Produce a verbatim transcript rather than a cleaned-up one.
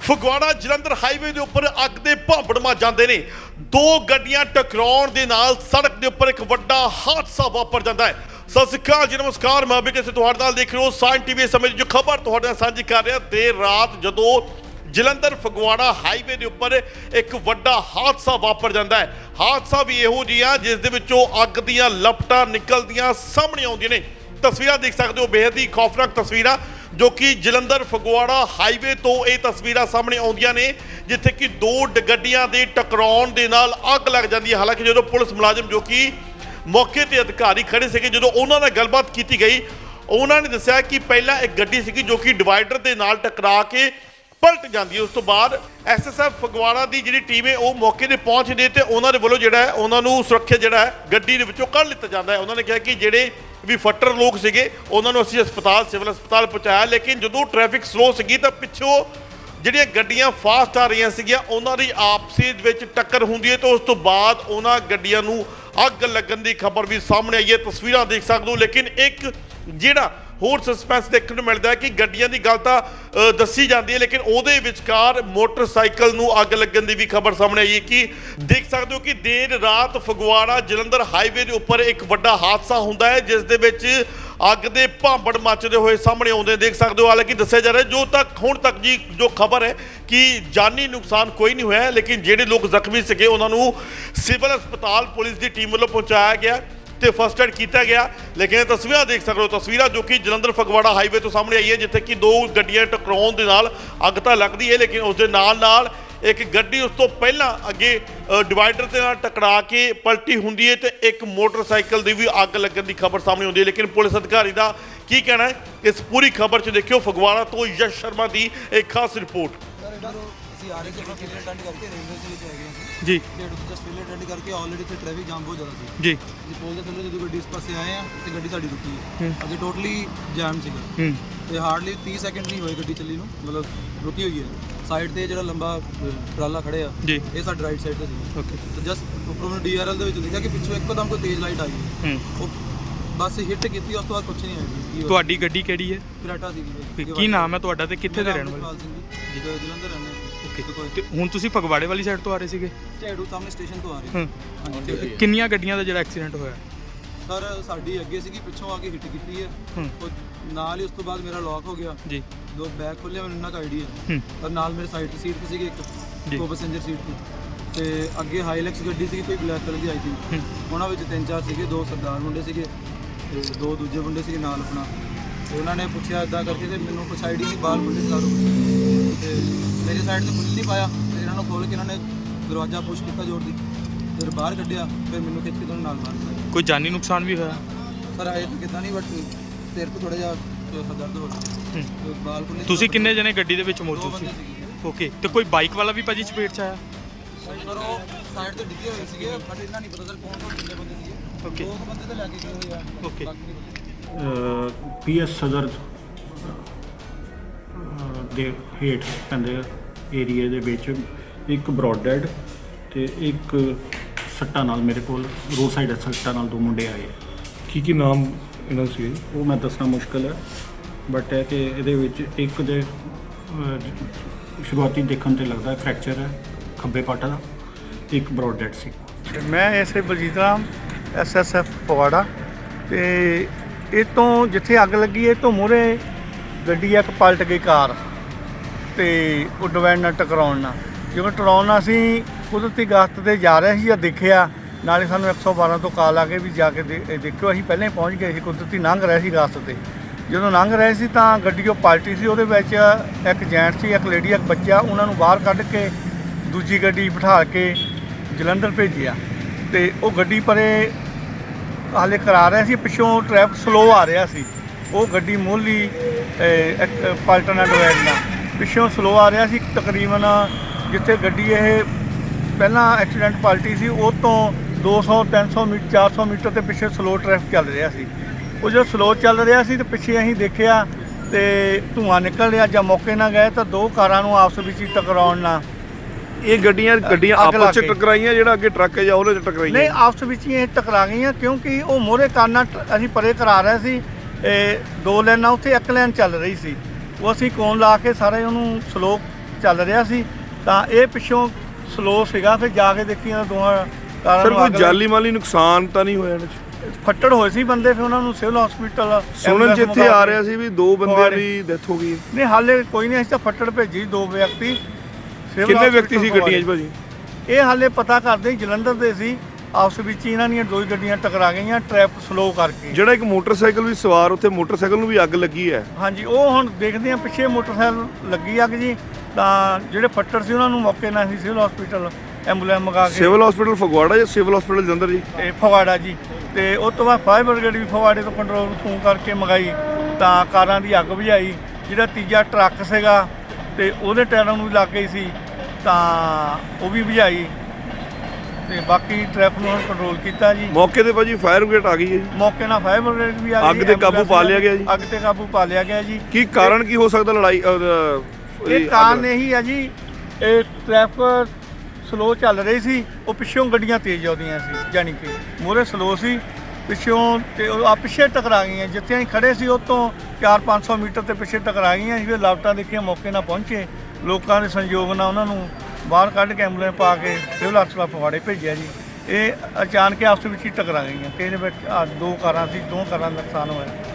Phagwara Jalandhar highway ਦੇ ਉੱਪਰ ਅੱਗ ਦੇ ਭਾਂਬੜ ਮਚ ਜਾਂਦੇ ਨੇ। ਦੋ ਗੱਡੀਆਂ ਟਕਰਾਉਣ ਦੇ ਨਾਲ ਸੜਕ ਦੇ ਉੱਪਰ ਇੱਕ ਵੱਡਾ ਹਾਦਸਾ ਵਾਪਰ ਜਾਂਦਾ ਹੈ। ਸਤਿ ਸ਼੍ਰੀ ਅਕਾਲ ਜੀ, ਨਮਸਕਾਰ। ਮੈਂ ਅਭਿਕੇ ਤੁਹਾਡੇ ਨਾਲ ਦੇਖ ਰਹੇ ਹੋ ਸਾਇਨ ਟੀਵੀ। ਸਮੇਂ ਦੀ ਜੋ ਖਬਰ ਤੁਹਾਡੇ ਨਾਲ ਸਾਂਝੀ ਕਰ ਰਿਹਾ। ਦੇਰ ਰਾਤ ਜਦੋਂ ਜਲੰਧਰ ਫਗਵਾੜਾ ਹਾਈਵੇ ਦੇ ਉੱਪਰ ਇੱਕ ਵੱਡਾ ਹਾਦਸਾ ਵਾਪਰ ਜਾਂਦਾ ਹੈ। ਹਾਦਸਾ ਵੀ ਇਹੋ ਜਿਹਾ ਜਿਸ ਦੇ ਵਿੱਚੋਂ ਅੱਗ ਦੀਆਂ ਲਪਟਾਂ ਨਿਕਲਦੀਆਂ ਸਾਹਮਣੇ ਆਉਂਦੀਆਂ ਨੇ। ਤਸਵੀਰਾਂ ਦੇਖ ਸਕਦੇ ਹੋ, ਬੇहद ਹੀ ਖੌਫਨਾਕ ਤਸਵੀਰਾਂ ਜੋ ਕਿ ਜਲੰਧਰ ਫਗਵਾੜਾ ਹਾਈਵੇ ਤੋਂ ਇਹ ਤਸਵੀਰਾਂ ਸਾਹਮਣੇ ਆਉਂਦੀਆਂ ਨੇ, ਜਿੱਥੇ ਕਿ ਦੋ ਗੱਡੀਆਂ ਦੇ ਟਕਰਾਉਣ ਦੇ ਨਾਲ ਅੱਗ ਲੱਗ ਜਾਂਦੀ ਹੈ। ਹਾਲਾਂਕਿ ਜਦੋਂ ਪੁਲਿਸ ਮੁਲਾਜ਼ਮ ਜੋ ਕਿ ਮੌਕੇ ਤੇ ਅਧਿਕਾਰੀ ਖੜੇ ਸੀਗੇ, ਜਦੋਂ ਉਹਨਾਂ ਨਾਲ ਗੱਲਬਾਤ ਕੀਤੀ ਗਈ, ਉਹਨਾਂ ਨੇ ਦੱਸਿਆ ਕਿ ਪਹਿਲਾਂ ਇੱਕ ਗੱਡੀ ਸੀਗੀ ਜੋ ਕਿ ਡਿਵਾਈਡਰ ਦੇ ਨਾਲ ਟਕਰਾ ਕੇ ਪਲਟ ਜਾਂਦੀ ਹੈ। ਉਸ ਤੋਂ ਬਾਅਦ ਐਸ ਐਸ ਐਫ ਫਗਵਾੜਾ ਦੀ ਜਿਹੜੀ ਟੀਮ ਹੈ ਉਹ ਮੌਕੇ ਤੇ ਪਹੁੰਚਦੀ ਹੈ ਤੇ ਉਹਨਾਂ ਦੇ ਵੱਲੋਂ ਜਿਹੜਾ ਹੈ ਉਹਨਾਂ ਨੂੰ ਸੁਰੱਖਿਆ ਜਿਹੜਾ ਹੈ ਗੱਡੀ ਦੇ ਵਿੱਚੋਂ ਕੱਢ ਲਿੱਤਾ ਜਾਂਦਾ ਹੈ। ਉਹਨਾਂ ਨੇ ਕਿਹਾ ਕਿ ਜਿਹੜੇ ਵੀ ਫੱਟਰ ਲੋਕ ਸੀਗੇ ਉਹਨਾਂ ਨੂੰ ਅਸੀਂ ਹਸਪਤਾਲ ਸਿਵਲ ਹਸਪਤਾਲ ਪਹੁੰਚਾਇਆ, ਲੇਕਿਨ ਜਦੋਂ ਟ੍ਰੈਫਿਕ ਸਲੋ ਸੀਗੀ ਤਾਂ ਪਿੱਛੋਂ ਜਿਹੜੀਆਂ ਗੱਡੀਆਂ ਫਾਸਟ ਆ ਰਹੀਆਂ ਸੀਗੀਆਂ ਉਹਨਾਂ ਦੀ ਆਪਸੀ ਵਿੱਚ ਟੱਕਰ ਹੁੰਦੀ ਹੈ ਤੇ ਉਸ ਤੋਂ ਬਾਅਦ ਉਹਨਾਂ ਗੱਡੀਆਂ ਨੂੰ ਅੱਗ ਲੱਗਣ ਦੀ ਖਬਰ ਵੀ ਸਾਹਮਣੇ ਆਈ ਹੈ। ਤਸਵੀਰਾਂ ਦੇਖ ਸਕਦੇ ਹੋ, ਲੇਕਿਨ ਇੱਕ ਜਿਹੜਾ ਹੋਰ ਸਸਪੈਂਸ ਦੇਖਣ ਨੂੰ ਮਿਲਦਾ ਹੈ ਕਿ ਗੱਡੀਆਂ ਦੀ ਗੱਲ ਤਾਂ ਦੱਸੀ ਜਾਂਦੀ ਹੈ, ਲੇਕਿਨ ਉਹਦੇ ਵਿਚਕਾਰ ਮੋਟਰਸਾਈਕਲ ਨੂੰ ਅੱਗ ਲੱਗਣ ਦੀ ਵੀ ਖਬਰ ਸਾਹਮਣੇ ਆਈ ਹੈ। ਕਿ ਦੇਖ ਸਕਦੇ ਹੋ ਕਿ ਦੇਰ ਰਾਤ ਫਗਵਾੜਾ ਜਲੰਧਰ ਹਾਈਵੇ ਦੇ ਉੱਪਰ ਇੱਕ ਵੱਡਾ ਹਾਦਸਾ ਹੁੰਦਾ ਹੈ ਜਿਸ ਦੇ ਵਿੱਚ ਅੱਗ ਦੇ ਭਾਂਬੜ ਮੱਚਦੇ ਹੋਏ ਸਾਹਮਣੇ ਆਉਂਦੇ ਦੇਖ ਸਕਦੇ ਹੋ। ਹਾਲਾਂਕਿ ਦੱਸਿਆ ਜਾ ਰਿਹਾ ਜੋ ਤੱਕ ਹੁਣ ਤੱਕ ਜੀ ਜੋ ਖਬਰ ਹੈ ਕਿ ਜਾਨੀ ਨੁਕਸਾਨ ਕੋਈ ਨਹੀਂ ਹੋਇਆ, ਲੇਕਿਨ ਜਿਹੜੇ ਲੋਕ ਜ਼ਖਮੀ ਸੀਗੇ ਉਹਨਾਂ ਨੂੰ ਸਿਵਲ ਹਸਪਤਾਲ ਪੁਲਿਸ ਦੀ ਟੀਮ ਵੱਲੋਂ ਪਹੁੰਚਾਇਆ ਗਿਆ ਤੇ ਫਸਟ ਏਡ ਕੀਤਾ ਗਿਆ। ਲੇਕਿਨ ਇਹ ਤਸਵੀਰਾਂ ਦੇਖ ਸਕਦੇ ਹੋ, ਤਸਵੀਰਾਂ ਜੋ ਕਿ ਜਲੰਧਰ ਫਗਵਾੜਾ ਹਾਈਵੇ ਤੋਂ ਸਾਹਮਣੇ ਆਈ ਹੈ, ਜਿੱਥੇ ਕਿ ਦੋ ਗੱਡੀਆਂ ਟਕਰਾਉਣ ਦੇ ਨਾਲ ਅੱਗ ਤਾਂ ਲੱਗਦੀ ਹੈ, ਲੇਕਿਨ ਉਸ ਦੇ ਨਾਲ ਨਾਲ ਇੱਕ ਗੱਡੀ ਉਸ ਤੋਂ ਪਹਿਲਾਂ ਅੱਗੇ ਡਿਵਾਈਡਰ ਦੇ ਨਾਲ ਟਕਰਾ ਕੇ ਪਲਟੀ ਹੁੰਦੀ ਹੈ ਤੇ ਇੱਕ ਮੋਟਰਸਾਈਕਲ ਦੀ ਵੀ ਅੱਗ ਲੱਗਣ ਦੀ ਖਬਰ ਸਾਹਮਣੇ ਆਉਂਦੀ ਹੈ। ਲੇਕਿਨ ਪੁਲਿਸ ਅਧਿਕਾਰੀ ਦਾ ਕੀ ਕਹਿਣਾ ਹੈ ਇਸ ਪੂਰੀ ਖਬਰ 'ਚ ਦੇਖਿਓ। ਫਗਵਾੜਾ ਤੋਂ ਯਸ਼ ਸ਼ਰਮਾ ਦੀ ਇੱਕ ਖਾਸ ਰਿਪੋਰਟ। आ रहे थे फिल्म अटेंड करके रेलवे से लेके आ गए जी जस्ट फिल्म अटेंड करके ऑलरेडी थे ट्रैफिक जाम बहुत ज़्यादा थी जी जी पुल ਦੇ ਥੱਲੇ ਜਦੋਂ ਗੱਡੀ ਇਸ ਪਾਸੇ ਆਏ ਆ ਤੇ ਗੱਡੀ ਸਾਡੀ ਰੁਕੀ ਹੈ ਅੱਗੇ ਟੋਟਲੀ ਜਾਮ ਸੀਗਾ ਤੇ ਹਾਰਡਲੀ ਤੀਹ ਸੈਕਿੰਡ ਨਹੀਂ ਹੋਏ ਗੱਡੀ ਚੱਲੀ ਨੂੰ, ਮਤਲਬ ਰੁਕੀ ਹੋਈ ਹੈ। ਸਾਈਡ ਤੇ ਜਿਹੜਾ ਲੰਬਾ ਟਰਾਲਾ ਖੜੇ ਆ ਜੀ ਇਹ ਸਾਡੀ ਰਾਈਟ ਸਾਈਡ ਤੇ ਸੀ। ਓਕੇ ਤੇ ਜਸਟ ਉੱਪਰੋਂ ਨੂੰ ਡੀ ਆਰ ਐਲ ਦੇ ਵਿੱਚ ਦੇਖਿਆ ਕਿ ਪਿੱਛੋਂ ਇੱਕਦਮ ਕੋਈ ਤੇਜ਼ ਲਾਈਟ ਆ ਗਈ, ਉਹ ਬਸ ਹਿੱਟ ਕੀਤੀ, ਉਸ ਤੋਂ ਬਾਅਦ ਕੁਝ ਨਹੀਂ ਆਇਆ। ਤੁਹਾਡੀ ਗੱਡੀ ਕਿਹੜੀ ਹੈ? ਕਰਾਟਾ ਦੀ। ਕੀ ਨਾਮ ਹੈ ਤੁਹਾਡਾ ਤੇ ਕਿੱਥੇ ਦੇ ਰਹਿਣ ਵਾਲੇ? ਜੀ ਜਲੰਧਰ ਰਹਿੰਦੇ ਆ। ਤੇ ਹੁਣ ਤੁਸੀਂ ਫਗਵਾੜੇ ਵਾਲੀ ਸਾਈਡ ਤੋਂ ਆ ਰਹੇ ਸੀਗੇ? ਝੇੜੂ ਸਾਹਮਣੇ ਸਟੇਸ਼ਨ ਤੋਂ ਆ ਰਹੇ ਹਾਂ। ਕਿੰਨੀਆਂ ਗੱਡੀਆਂ ਦਾ ਜਿਹੜਾ ਐਕਸੀਡੈਂਟ ਹੋਇਆ? ਸਰ ਸਾਡੀ ਅੱਗੇ ਸੀਗੀ, ਪਿੱਛੋਂ ਆ ਕੇ ਹਿੱਟ ਕੀਤੀ ਹੈ, ਉਹ ਨਾਲ ਹੀ ਉਸ ਤੋਂ ਬਾਅਦ ਮੇਰਾ ਲੌਕ ਹੋ ਗਿਆ ਜੀ। ਦੋ ਬੈਗ ਖੋਲਿਆ, ਮੈਨੂੰ ਇੰਨਾ ਕੁ ਆਈਡੀਆ ਹੈ। ਔਰ ਨਾਲ ਮੇਰੇ ਸਾਈਡ ਤੇ ਸੀਟ ਤੇ ਸੀਗੀ ਇੱਕ ਕੋ ਪੈਸੇਂਜਰ ਸੀਟ ਤੇ ਤੇ ਅੱਗੇ ਹਾਈਲੈਕਸ ਗੱਡੀ ਸੀਗੀ ਕੋਈ ਬਲੈਕ ਕਲਰ ਦੀ ਆਈ ਸੀ। ਉਹਨਾਂ ਵਿੱਚ ਤਿੰਨ ਚਾਰ ਸੀਗੇ, ਦੋ ਸਰਦਾਰ ਮੁੰਡੇ ਸੀਗੇ ਤੇ ਦੋ ਦੂਜੇ ਮੁੰਡੇ ਸੀਗੇ ਨਾਲ ਆਪਣਾ। ਤੇ ਉਹਨਾਂ ਨੇ ਪੁੱਛਿਆ ਇੱਦਾਂ ਕਰਕੇ ਤੇ ਮੈਨੂੰ ਕੁਛ ਆਈਡੀ ਨਹੀਂ, ਬਾਹਰ ਮੁੰਡੇ ਸਾਰੋ ਤੇ ਮੇਰੀ ਸਾਈਡ ਤੇ ਖੁੱਲ ਨਹੀਂ ਪਾਇਆ ਤੇ ਇਹਨਾਂ ਨੂੰ ਖੋਲ੍ਹ ਕੇ ਇਹਨਾਂ ਨੇ ਦਰਵਾਜ਼ਾ ਪੁਸ਼ ਕੀਤਾ ਜ਼ੋਰ ਦੀ, ਫਿਰ ਬਾਹਰ ਕੱਢਿਆ, ਫਿਰ ਮੈਨੂੰ ਖਿੱਚ ਕੇ ਤੁਹਾਨੂੰ ਨਾਲ ਬਾਹਰ ਕੱਢਿਆ। ਕੋਈ ਜਾਨੀ ਨੁਕਸਾਨ ਵੀ ਹੋਇਆ? ਸਰ ਆਏ ਤਾਂ ਕਿੱਦਾਂ ਨਹੀਂ, ਬਟ ਸਿਰ ਤੋਂ ਥੋੜ੍ਹਾ ਜਿਹਾ ਦਰਦ ਹੋ ਰਿਹਾ। ਬਾਲ ਖੁੱਲੇ। ਤੁਸੀਂ ਕਿੰਨੇ ਜਣੇ ਗੱਡੀ ਦੇ ਵਿੱਚ ਮੌਜੂਦ ਸੀ? ਓਕੇ, ਤੇ ਕੋਈ ਬਾਈਕ ਵਾਲਾ ਵੀ ਭਾਜੀ ਚਪੇਟ 'ਚ ਆਇਆ? ਸਰ ਉਹ ਸਾਈਡ ਤੇ ਡਿੱਗੇ ਹੋਏ ਸੀਗੇ, ਬਟ ਇਹਨਾਂ ਨਹੀਂ ਪਤਾ ਸਰ ਕੌਣ ਕੌਣ ਕਿੰਨੇ ਬੰਦੇ ਸੀਗੇ। ਓਕੇ, ਦੋ ਬੰਦੇ ਤਾਂ ਲੈ ਕੇ ਗਏ ਹੋਏ ਆ। ਓਕੇ, ਪੀ ਐਸ ਸਦਰ ਦੇ ਹੇਠ ਪੈਂਦੇ ਏਰੀਏ ਦੇ ਵਿੱਚ ਇੱਕ ਬਰੋਡ ਡੈਡ ਤੇ ਇੱਕ ਸੱਟਾਂ ਨਾਲ ਮੇਰੇ ਕੋਲ ਰੋਡ ਸਾਈਡ ਸੱਟਾਂ ਨਾਲ ਦੋ ਮੁੰਡੇ ਆਏ। ਕੀ ਕੀ ਨਾਮ ਇਹਨਾਂ ਸੀ? ਉਹ ਮੈਂ ਦੱਸਣਾ ਮੁਸ਼ਕਿਲ ਹੈ, ਬਟ ਹੈ ਕਿ ਇਹਦੇ ਵਿੱਚ ਇੱਕ ਦੇ ਸ਼ੁਰੂਆਤੀ ਦੇਖਣ ਤੇ ਲੱਗਦਾ ਫ੍ਰੈਕਚਰ ਹੈ ਖੱਬੇ ਪੱਟ ਦਾ, ਇੱਕ ਬਰੋਡ ਡੈਡ ਸੀ। ਮੈਂ S A Baljit Ram, S S F Phagwara. ਤੇ ਇਹ ਤੋਂ ਜਿੱਥੇ ਅੱਗ ਲੱਗੀ ਇਹ ਤੋਂ ਮੂਹਰੇ ਗੱਡੀ ਇੱਕ ਪਲਟ ਗਈ ਕਾਰ ਤੇ ਉਹ ਡਿਵਾਈਡਰ ਨਾਲ ਟਕਰਾਉਣ ਨਾਲ, ਜਿਵੇਂ ਟਕਰਾਉਣ ਨਾਲ ਅਸੀਂ ਕੁਦਰਤੀ ਗਸ਼ਤ 'ਤੇ ਜਾ ਰਹੇ ਸੀ ਜਾਂ ਦੇਖਿਆ, ਨਾਲੇ ਸਾਨੂੰ ਇੱਕ ਸੌ ਬਾਰਾਂ ਤੋਂ ਕਾਲ ਆ ਕੇ ਵੀ ਜਾ ਕੇ ਦੇ ਦੇਖਿਓ। ਅਸੀਂ ਪਹਿਲਾਂ ਹੀ ਪਹੁੰਚ ਗਏ ਸੀ, ਕੁਦਰਤੀ ਲੰਘ ਰਹੇ ਸੀ ਗਸ਼ਤ 'ਤੇ। ਜਦੋਂ ਲੰਘ ਰਹੇ ਸੀ ਤਾਂ ਗੱਡੀ ਉਹ ਪਲਟੀ ਸੀ, ਉਹਦੇ ਵਿੱਚ ਇੱਕ ਜੈਂਟ ਸੀ, ਇੱਕ ਲੇਡੀ, ਇੱਕ ਬੱਚਾ। ਉਹਨਾਂ ਨੂੰ ਬਾਹਰ ਕੱਢ ਕੇ ਦੂਜੀ ਗੱਡੀ ਬਿਠਾ ਕੇ ਜਲੰਧਰ ਭੇਜਿਆ ਤੇ ਉਹ ਗੱਡੀ ਪਰੇ ਹਾਲੇ ਕਰਾ ਰਹੇ ਸੀ, ਪਿੱਛੋਂ ਟ੍ਰੈਫਿਕ ਸਲੋ ਆ ਰਿਹਾ ਸੀ। ਉਹ ਗੱਡੀ ਮੋਹਲੀ ਪਲਟਣ ਨਾਲ ਡਿਵਾਈਡਰ ਨਾਲ ਪਿੱਛੋਂ ਸਲੋ ਆ ਰਿਹਾ ਸੀ। ਤਕਰੀਬਨ ਜਿੱਥੇ ਗੱਡੀ ਇਹ ਪਹਿਲਾਂ ਐਕਸੀਡੈਂਟ ਪਲਟੀ ਸੀ ਉਹ ਤੋਂ ਦੋ ਸੌ ਤਿੰਨ ਸੌ ਮੀਟਰ ਚਾਰ ਸੌ ਮੀਟਰ ਦੇ ਪਿੱਛੇ ਸਲੋ ਟ੍ਰੈਫਿਕ ਚੱਲ ਰਿਹਾ ਸੀ। ਉਹ ਜਦੋਂ ਸਲੋ ਚੱਲ ਰਿਹਾ ਸੀ ਤੇ ਪਿੱਛੇ ਅਸੀਂ ਦੇਖਿਆ ਤੇ ਧੂੰਆਂ ਨਿਕਲ ਰਿਹਾ। ਜਾਂ ਮੌਕੇ ਨਾਲ ਗਏ ਤਾਂ ਦੋ ਕਾਰਾਂ ਨੂੰ ਆਪਸ ਵਿੱਚ ਹੀ ਟਕਰਾਉਣ ਨਾਲ ਇਹ ਗੱਡੀਆਂ ਗੱਡੀਆਂ ਆਪਸ 'ਚ ਟਕਰਾਈਆਂ, ਜਿਹੜਾ ਅੱਗੇ ਟਰੱਕ ਹੈ ਜਾਂ ਉਹਦੇ 'ਚ ਟਕਰਾਈਆਂ? ਨਹੀਂ, ਆਪਸ ਵਿੱਚ ਹੀ ਇਹ ਟਕਰਾ ਗਈਆਂ ਕਿਉਂਕਿ ਉਹ ਮੋਹਰੇ ਕਾਰਾਂ ਅਸੀਂ ਪਰੇ ਕਰਾ ਰਹੇ ਸੀ। ਦੋ ਲਾਈਨਾਂ ਉੱਥੇ ਇੱਕ ਲਾਈਨ ਚੱਲ ਰਹੀ ਸੀ, ਉਹ ਅਸੀਂ ਕੋਨ ਲਾ ਕੇ ਸਾਰੇ ਉਹਨੂੰ ਸਲੋ ਚੱਲ ਰਿਹਾ ਸੀ ਤਾਂ ਇਹ ਪਿੱਛੋਂ ਸਲੋ ਸੀਗਾ, ਫਿਰ ਜਾ ਕੇ ਦੇਖੀ ਇਹਨਾਂ ਦੋਹਾਂ ਕਾਰਾਂ ਸਰ ਨੂੰ ਕੋਈ ਅੱਗ ਲੱਗ- ਜਾਲੀ ਮਾਲੀ ਨੁਕਸਾਨ ਤਾਂ ਨਹੀਂ ਹੋਇਆ ਇਹਨਾਂ 'ਚ? ਫੱਟੜ ਹੋਏ ਸੀ ਬੰਦੇ, ਫਿਰ ਉਹਨਾਂ ਨੂੰ ਸਿਵਲ ਹਸਪੀਟਲ ਸੁਣਨ 'ਚ ਇੱਥੇ ਆ ਰਿਹਾ ਸੀ ਵੀ ਦੋ ਬੰਦਿਆਂ ਦੀ ਡੈਥ ਹੋ ਗਈ। ਨਹੀਂ ਹਾਲੇ ਕੋਈ ਨਹੀਂ, ਅਸੀਂ ਤਾਂ ਫੱਟੜ ਭੇਜੀ ਦੋ ਵਿਅਕਤੀ ਸਿਵਲ ਕਿੰਨੇ ਵਿਅਕਤੀ hospital ਸੀ ਗੱਡੀਆਂ 'ਚ ਫਗਵਾੜੇ। ਭਾਜੀ? ਇਹ ਹਾਲੇ ਪਤਾ ਕਰਦੇ ਹੀ, ਜਲੰਧਰ ਦੇ ਸੀ, ਆਪਸ ਵਿੱਚ ਹੀ ਇਹਨਾਂ ਦੀਆਂ ਦੋ ਹੀ ਗੱਡੀਆਂ ਟਕਰਾ ਗਈਆਂ ਟ੍ਰੈਫਿਕ ਸਲੋ ਕਰਕੇ। ਜਿਹੜਾ ਇੱਕ ਮੋਟਰਸਾਈਕਲ ਵੀ ਸਵਾਰ ਉੱਥੇ ਮੋਟਰਸਾਈਕਲ ਨੂੰ ਵੀ ਅੱਗ ਲੱਗੀ ਹੈ। ਹਾਂਜੀ, ਉਹ ਹੁਣ ਦੇਖਦੇ ਆ, ਪਿੱਛੇ ਮੋਟਰਸਾਈਕਲ ਲੱਗੀ ਅੱਗ ਜੀ, ਤਾਂ ਜਿਹੜੇ ਫੱਟੜ ਸੀ ਉਹਨਾਂ ਨੂੰ ਮੌਕੇ ਨਾਲ ਸੀ ਸਿਵਲ ਹਸਪੀਟਲ ਐਂਬੂਲੈਂਸ ਮੰਗਾ ਕੇ ਸਿਵਲ ਹਸਪੀਟਲ ਫਗਵਾੜਾ ਜਾਂ ਸਿਵਲ ਹਸਪੀਟਲ ਜਲੰਧਰ ਜੀ? ਤੇ ਫਗਵਾੜਾ ਜੀ, ਤੇ ਉਸ ਤੋਂ ਬਾਅਦ ਫਾਇਰ ਬ੍ਰਿਗੇਡ ਵੀ ਫਗਵਾੜੇ ਤੋਂ ਕੰਟਰੋਲ ਨੂੰ ਫੋਨ ਕਰਕੇ ਮੰਗਾਈ, ਤਾਂ ਕਾਰਾਂ ਦੀ ਅੱਗ ਬੁਝਾਈ। ਜਿਹੜਾ ਤੀਜਾ ਟਰੱਕ ਸੀਗਾ ਤੇ ਉਹਦੇ ਟਾਇਰਾਂ ਨੂੰ ਵੀ ਲੱਗ ਗਈ ਸੀ, ਤਾਂ ਉਹ ਵੀ ਬੁਝਾਈ, ਤੇ ਬਾਕੀ ਟ੍ਰੈਫਿਕ ਨੂੰ ਕੰਟਰੋਲ ਕੀਤਾ ਜੀ। ਮੌਕੇ ਤੇ ਭਾਜੀ ਫਾਇਰ ਬ੍ਰਿਗੇਡ ਆ ਗਈ ਹੈ ਜੀ। ਮੌਕੇ ਨਾਲ ਫਾਇਰ ਬ੍ਰਿਗੇਡ ਵੀ ਆ ਗਈ, ਅੱਗ ਤੇ ਕਾਬੂ ਪਾ ਲਿਆ ਗਿਆ ਜੀ? ਅੱਗ ਤੇ ਕਾਬੂ ਪਾ ਲਿਆ ਗਿਆ ਜੀ। ਕੀ ਕਾਰਨ ਕੀ ਹੋ ਸਕਦਾ ਲੜਾਈ ਅਹ, ਇਹ ਕਾਰਨ ਇਹੀ ਆ ਜੀ, ਇਹ ਟ੍ਰੈਫਿਕ ਸਲੋ ਚੱਲ ਰਹੀ ਸੀ, ਉਹ ਪਿੱਛੋਂ ਗੱਡੀਆਂ ਤੇਜ਼ ਆਉਂਦੀਆਂ ਸੀ, ਯਾਨੀ ਕਿ ਮੂਹਰੇ ਸਲੋ ਸੀ, ਪਿੱਛੋਂ ਤੇ ਉਹ ਆ ਪਿੱਛੇ ਟਕਰਾ ਗਈਆਂ। ਜਿੱਥੇ ਅਸੀਂ ਖੜੇ ਸੀ ਉਹ ਤੋਂ ਚਾਰ ਪੰਜ ਸੌ ਮੀਟਰ ਤੇ ਪਿੱਛੇ ਟਕਰਾ ਗਈਆਂ ਸੀ। ਫਿਰ ਲਾਪਟਾਂ ਦੇਖੀਆਂ, ਮੌਕੇ ਨਾਲ ਪਹੁੰਚੇ, ਲੋਕਾਂ ਦੇ ਸੰਯੋਗ ਨਾਲ ਉਹਨਾਂ ਨੂੰ ਬਾਹਰ ਕੱਢ ਕੇ ਐਂਬੂਲੈਂਸ ਪਾ ਕੇ ਸਿਵਲ ਹਸਪਤਾਲ ਫਗਵਾੜੇ ਭੇਜਿਆ ਜੀ। ਇਹ ਅਚਾਨਕ ਆਪਸ ਵਿੱਚ ਹੀ ਟਕਰਾ ਗਈਆਂ, ਤੇ ਇਹਦੇ ਵਿੱਚ ਆਹ ਦੋ ਕਾਰਾਂ ਸੀ, ਦੋ ਕਾਰਾਂ ਦਾ ਨੁਕਸਾਨ ਹੋਇਆ।